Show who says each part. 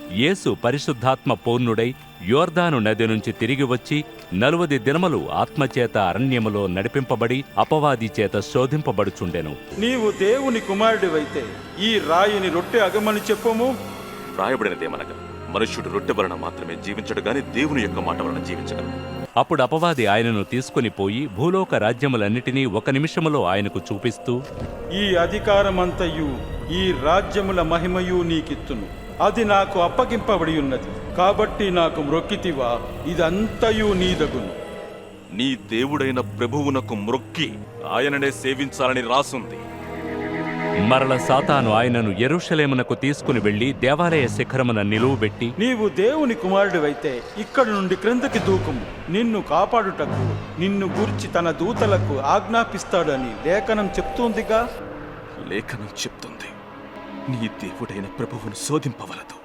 Speaker 1: యేసు పరిశుద్ధాత్మ పూర్ణుడై యోర్దాను నది నుంచి తిరిగి వచ్చి 40 దినములు ఆత్మచేత అరణ్యములో నడిపింపబడి అపవాది చేత శోధింపబడుచుండెను.
Speaker 2: నీవు దేవుని కుమారుడివైతే ఈ రాయిని రొట్టె అగమని చెప్పుము.
Speaker 3: రాయబడినదేమనగా, మనుష్యుడు రొట్టె వలన మాత్రమే జీవించడు గాని దేవుని యొక్క మాట వలన జీవించగలడు.
Speaker 1: అప్పుడు అపవాది ఆయనను తీసుకుని పోయి భూలోక రాజ్యములన్నిటినీ 1 నిమిషములో ఆయనకు చూపిస్తూ,
Speaker 2: ఈ అధికారమంతయు ఈ రాజ్యముల మహిమయు నీకిత్తును. అది నాకు అప్పగింపబడి ఉన్నది. కాబట్టి నాకు మ్రొక్కితివా, ఇదంతయు నీదగును.
Speaker 3: నీ దేవుడైన ప్రభువునకు మ్రొక్కి ఆయననే సేవించాలని రాసుంది.
Speaker 1: మరల సాతాను ఆయనను యెరూషలేమునకు తీసుకుని వెళ్లి దేవాలయ శిఖరమున నిలువబెట్టి,
Speaker 2: నీవు దేవుని కుమారుడివైతే ఇక్కడి నుండి క్రిందకి దూకుము. నిన్ను కాపాడుటకు నిన్ను గూర్చి తన దూతలకు ఆజ్ఞాపిస్తాడని లేఖనం చెప్తుందిగా.
Speaker 3: లేఖనం చెప్తుంది, నీ దేవుడైన ప్రభువును శోధింపవలదు.